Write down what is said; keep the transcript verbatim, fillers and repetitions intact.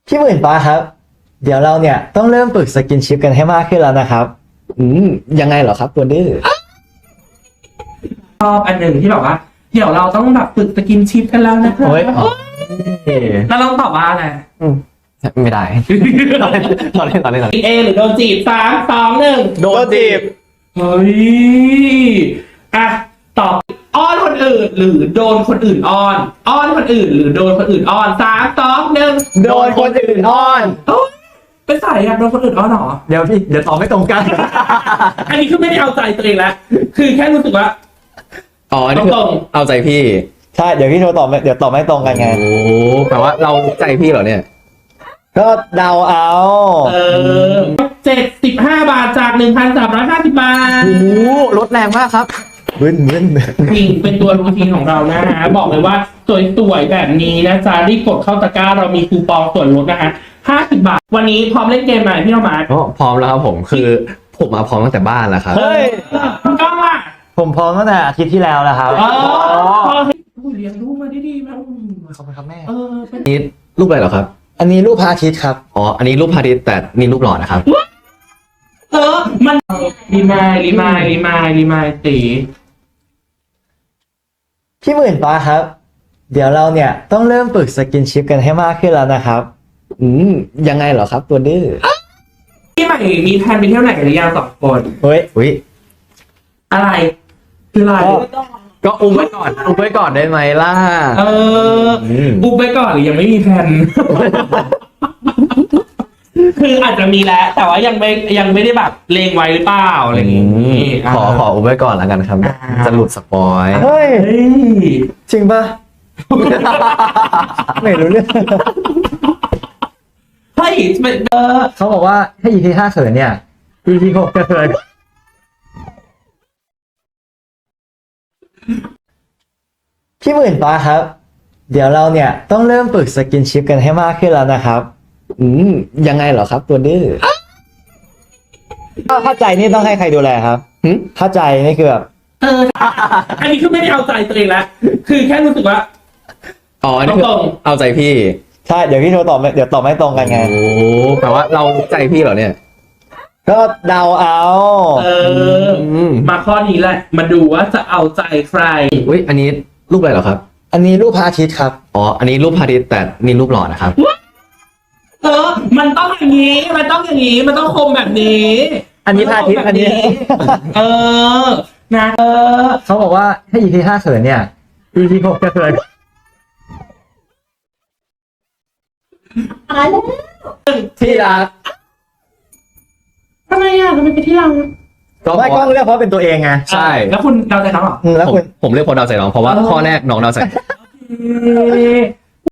พี่หมื่นฟ้าครับ เดี๋ยวเราเนี่ยต้องเริ่มฝึกสกินชิปกันให้มากขึ้นแล้วนะครับ อืมยังไงเหรอครับตัวดื้อชอบอันหนึ่งที่แบบว่า เดี๋ยวเราต้องแบบฝึกสกินชิปกันแล้วนะคะโอ้ยแล้วเราตอบว่าอะไรอืมไม่ได้ตอนเล่นตอนเล่นตอนเล่นเอหรือโดนจีบสามสองหนึ่งโดนจีบเฮ้ยอ่ะตอบอ้อนคนอื่นหรือโดนคนอื่นอ้อน อ้อนคนอื่น หรือโดนคนอื่นอ้อนสามสองหนึ่งโดนคนอื่นอ้อนโอ๊ยเป็นสายอยากโดนคนอื่นอ้อนเหรอเดี๋ยวพี่เดี๋ยวตอบไม่ตรงกันอันนี้คือไม่ได้เอาใจตัวเองแล้วคือแค่รู้สึกว่าอ๋ออันนี่คือตรงเอาใจพี่ใช่เดี๋ยวพี่โทรตอบไม่เดี๋ยวตอบไม่ตรงกันไงโอ้แปลว่าเรารู้ใจพี่เหรอเนี่ยก็เดาเอาเออเจ็ดสิบห้าบาทจากหนึ่งพันสามร้อยห้าสิบบาทโอ้ลดแรงมากครับบึ้นบึ้นจริงเป็นตัวรูทีนของเรานะฮะ บอกเลยว่าสวยๆแบบนี้นะจ๊ะรีบกดเข้าตะกร้าเรามีคูปองส่วนลดนะฮะห้าสิบบาท วันนี้พร้อมเล่นเกมไหมพี่น้องมาร์คอ๋อพร้อมแล้วครับผมคือผมมาพร้อมตั้งแต่บ้านแล้วครับเฮ้ยคุณก้องล่ะผมพร้อมตั้งแต่อาทิตย์ที่แล้วแล้วครับเออพอเห็นผู้เลี้ยงลูกมาได้ดีมากอืมขอบคุณครับแม่เออเป็นนี่รูปอะไรเหรอครับอันนี้รูปพระอาทิตย์ครับอ๋ออันนี้รูปพาริสแต่นี่รูปหล่อนะครับเออมันรีมายรีมายรีมายรีมายตีพี่หมื่นฟ้าครับ เดี๋ยวเราเนี่ยต้องเริ่มฝึกสกินชิปกันให้มากขึ้นแล้วนะครับ อืมยังไงเหรอครับตัวดื้อพี่ใหม่มีแพลนไปเที่ยวไหนกันหรือยังสองคนเฮ้ยอุ้ยอะไรคืออะไรก็อุ้มไว้ก่อนอุ้มไว้ก่อนได้ไหมล่ะเออมอุบไปก่อนหรือยังไม่มีแผน คืออาจจะมีแล้ว แต่ว่ายังไม่ยังไม่ได้แบบเลงไว้หรือเปล่าอะไรอย่างงี้ขอขออุ้มไว้ก่อนแล้วกันครับอ่าจะหลุดสปอยเฮ้ยเฮ้ยจริงปะ ไม่รู้เรื่องเฮ้ยมันเออเขาบอกว่าถ้า อี พี ห้าเขินเนี่ย อี พี หกจะเขินพี่หมื่นฟ้าครับ เดี๋ยวเราเนี่ยต้องเริ่มฝึกสกินชิปกันให้มากขึ้นแล้วนะครับ อืมยังไงเหรอครับตัวดื้อเข้าใจนี่ต้องให้ใครดูแลครับหึเข้าใจนี่คือแบบเออ อันนี้คือไม่ได้เอาใจตัวเองแล้วคือแค่รู้สึกว่าอ๋ออันนี่คือตรงเอาใจพี่ใช่เดี๋ยวพี่โทรตอบไม่เดี๋ยวตอบไม่ตรงกันไงโอ้แปลว่าเรารู้ใจพี่เหรอเนี่ยก็เดาเอาเออมมาข้อนี้แหละ มาดูว่าจะเอาใจใครอุ้ยอันนี้รูปอะไรเหรอครับอันนี้รูปพระอาทิตย์ครับอ๋ออันนี้รูปพาริสแต่นี่รูปหล่อนะครับเออ มันต้องอย่างนี้ มันต้องอย่างนี้ มันต้องคมแบบนี้อันนี้พระอาทิตย์อันนี้เออ นะเออเขาบอกว่าถ้า อี พี ห้าเขินเนี่ย อี พี หกจะเขินที่รักทำไมอ่ะทำไมไปที่เราก็ไม่กล้องเลือกเพราะเป็นตัวเองไงใช่แล้วคุณเดาใจเขาเหรออืมแล้วผมคุณผมเลือกคนเดาใจน้องเพราะว่าเออข้อแรกน้องเดาใจโอเค